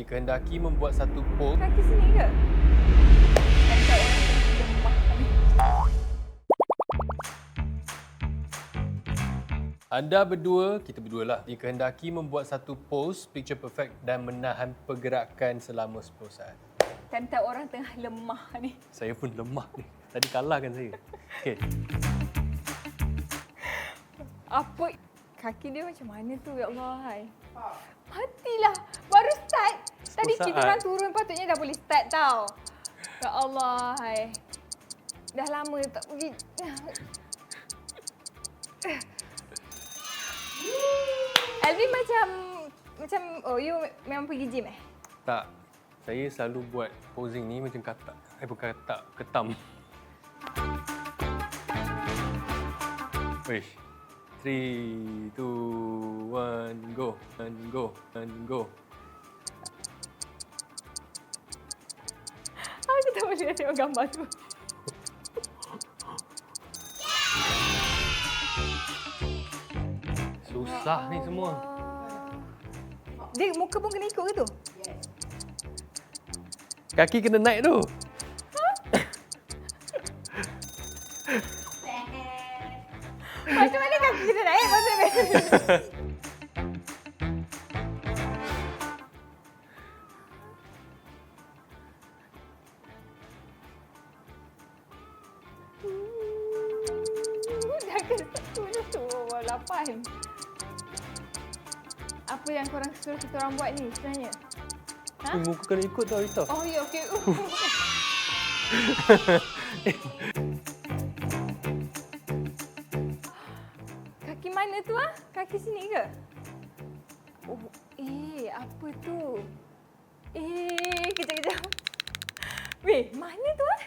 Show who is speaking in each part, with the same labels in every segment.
Speaker 1: dikehendaki membuat satu pose.
Speaker 2: Kaki sini ke? Nampak orang lemah ni.
Speaker 1: Anda berdua, kita berdua lah, dikehendaki membuat satu pose picture perfect dan menahan pergerakan selama 10 saat.
Speaker 2: Kanta orang tengah lemah ni.
Speaker 1: Saya pun lemah ni. Tadi kalahkan saya. Okey.
Speaker 2: Apa? Kaki dia macam mana tu, ya Allah. Hai. Matilah. Baru start. Tadi kita orang turun patutnya dah boleh start tau. Ya Allah. Hai. Dah lama tak pergi. Alvin macam you memang pergi gym eh?
Speaker 1: Tak. Saya selalu buat posing ni macam katak. Bukan katak, ketam. Wish. 3, 2, 1, go. And go. And go.
Speaker 2: Aku tak boleh tengok gambar tu.
Speaker 1: Susah ni semua.
Speaker 2: Dia muka pun kena ikut ke tu?
Speaker 1: Kaki kena naik tu.
Speaker 2: Macam mana kaki kena naik? Maksudnya. Dah ke 10 tu, 8. Apa yang korang suruh kita orang buat ni sebenarnya? Ha?
Speaker 1: Muka kena ikut tau, Rita.
Speaker 2: Oh ya, okey. Kaki mana tu ah? Kaki sini ke? Oh, apa tu? Kejap. Weh, mana tu ah?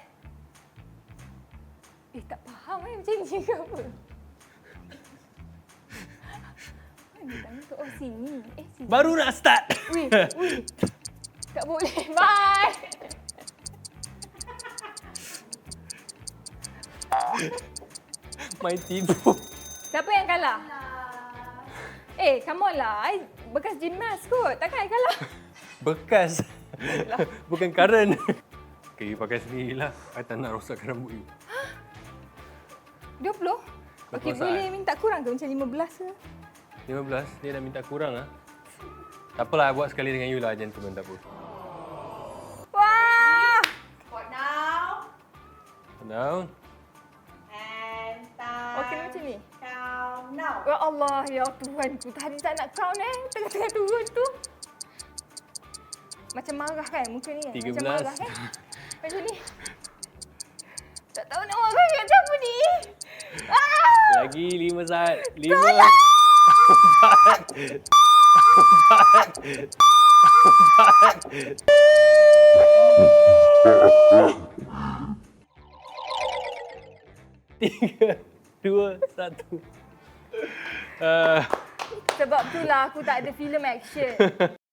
Speaker 2: Tak faham macam ni ke apa? Mana tanya tu? Oh, sini. Sini.
Speaker 1: Baru nak start.
Speaker 2: Weh. Tak boleh. Bye.
Speaker 1: Main tipu.
Speaker 2: Siapa yang kalah? Come on lah. I bekas gymnast kot. Takkan I kalah?
Speaker 1: Bekas. Bukan current. Okay, pakai sendirilah. I tak nak rosakkan rambut you.
Speaker 2: 20? Okey, boleh minta kurang ke? Macam 15 ke?
Speaker 1: 15? Dia dah minta kurang lah. Tak apalah, I buat sekali dengan you lah, gentleman, tak apa.
Speaker 2: Wah!
Speaker 3: Squat now.
Speaker 1: Down.
Speaker 3: And time.
Speaker 2: Okey, macam ni.
Speaker 3: Count now.
Speaker 2: Ya Allah, ya Tuhanku. Tadi tak nak count tengah-tengah turun tu. Macam marah kan muka ni?
Speaker 1: 13.
Speaker 2: Macam marah kan? Macam ni. Tak tahu nak marah kat siapa ni.
Speaker 1: Lagi 5 saat. 5. 3, 2, 1.
Speaker 2: Sebab itulah aku tak ada filem action.